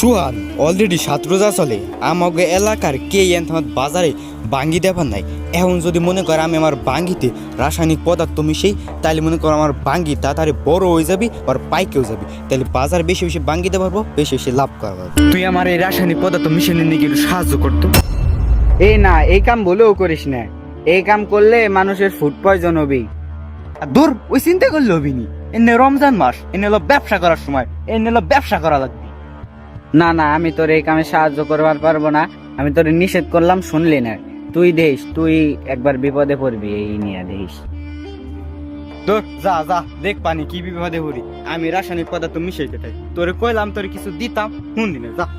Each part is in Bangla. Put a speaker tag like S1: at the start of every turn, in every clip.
S1: সুহান অলরেডি 7 রোজা চলে আমাকে এলাকার কে বাজারে বাঙ্গি দেবার নাই। এখন যদি মনে করে আমি আমার বাঙ্গিতে রাসায়নিক পদার্থ মিশাই তাহলে মনে করো আমার বাঙ্গি তাড়াতাড়ি বড় হয়ে যাবি আর পাইকেও যাবি, তাহলে বাজার বেশি বেশি বাঙ্গি দিতে পারবো, বেশি বেশি লাভ করা পারবো। তুই আমার এই রাসায়নিক পদার্থ মিশানো নিয়ে একটু সাহায্য করতো।
S2: এই না, এই কাম বলেও করিস না। এই কাম করলে মানুষের ফুড পয়জন হবে।
S1: দূর, ওই চিন্তা করলে হবি নি। এনে রমজান মাস, এনে হলো ব্যবসা করার সময়, এনে হলো ব্যবসা করা লাগবে।
S2: না না, আমি তোর এই কামে সাহায্য করবার পারবো না। আমি তোর নিষেধ করলাম, শুনলি না। তুই দেখ, তুই একবার বিপদে পড়বি এই নিয়ে দেখ।
S1: দূর, যা যা, দেখ পানি কি বিপদে পড়ি। আমি রাসায়নিক পদার্থ মিশাইতে থাকি, তোরে কইলাম তোরে কিছু দিতাম, শুনলি না, যা।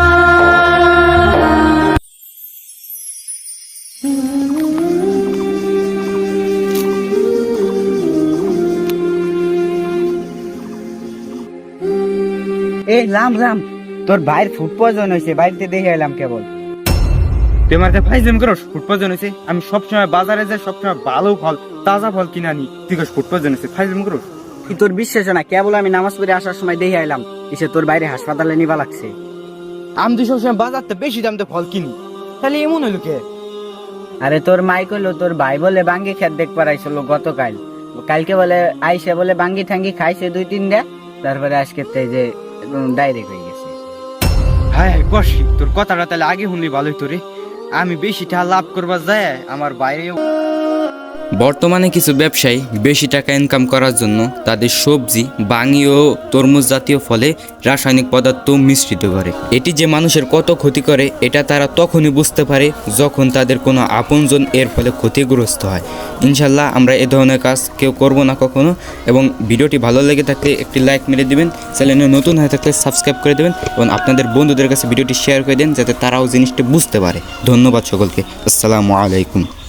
S2: এই লাম লাম, তোর ভাইয়ের ফুড পয়জন হয়েছে, বাড়িতে দেখে এলাম কেবল।
S1: তুই আমার ফাইজলাম করস, ফুড পয়জন হয়েছে। আমি সবসময় বাজারে যাই, সবসময় ভালো ফল, তাজা ফল কিনে আনি। তুই কস ফুড পয়জন হয়েছে, ফাইজলাম করস।
S2: কি তোর বিশ্বাস না? কেবল আমি নামাজ পড়ে আসার সময় দেখে এলাম এসে তোর বাইরে হাসপাতালে নিবা লাগছে।
S1: আমি তো সবসময় বাজারতে বেশি দামতে ফল কিনি, তাহলে এমন হইলো কে?
S2: আরে তোর মাই কইলো তোর ভাই বলে বাঙ্গি খেত দেখবার আইছিল গতকাল। কালকে বলে আইসে বলে বাঙ্গি ঠাঙ্গি খাইছে 2-3টা, তারপরে আজকে যে ডাইরেক্ট হয়ে গেছে।
S1: হ্যাঁ কষি, তোর কথাটা তাহলে আগে শুনলি ভালোই তোরে। আমি বেশি টাকা লাভ করবার যায় আমার বাইরে।
S3: বর্তমানে কিছু ব্যবসায়ী বেশি টাকা ইনকাম করার জন্য তাদের সবজি, বাঙি ও তরমুজ জাতীয় ফলে রাসায়নিক পদার্থ মিশ্রিত করে। এটি যে মানুষের কত ক্ষতি করে এটা তারা তখনই বুঝতে পারে যখন তাদের কোনো আপনজন এর ফলে ক্ষতিগ্রস্ত হয়। ইনশাল্লাহ আমরা এ ধরনের কাজ কেউ করব না কখনো। এবং ভিডিওটি ভালো লেগে থাকলে একটি লাইক মেরে দিবেন, চ্যানেলে নতুন হয়ে থাকলে সাবস্ক্রাইব করে দেবেন এবং আপনাদের বন্ধুদের কাছে ভিডিওটি শেয়ার করে দেন যাতে তারাও জিনিসটা বুঝতে পারে। ধন্যবাদ সকলকে। আসসালামু আলাইকুম।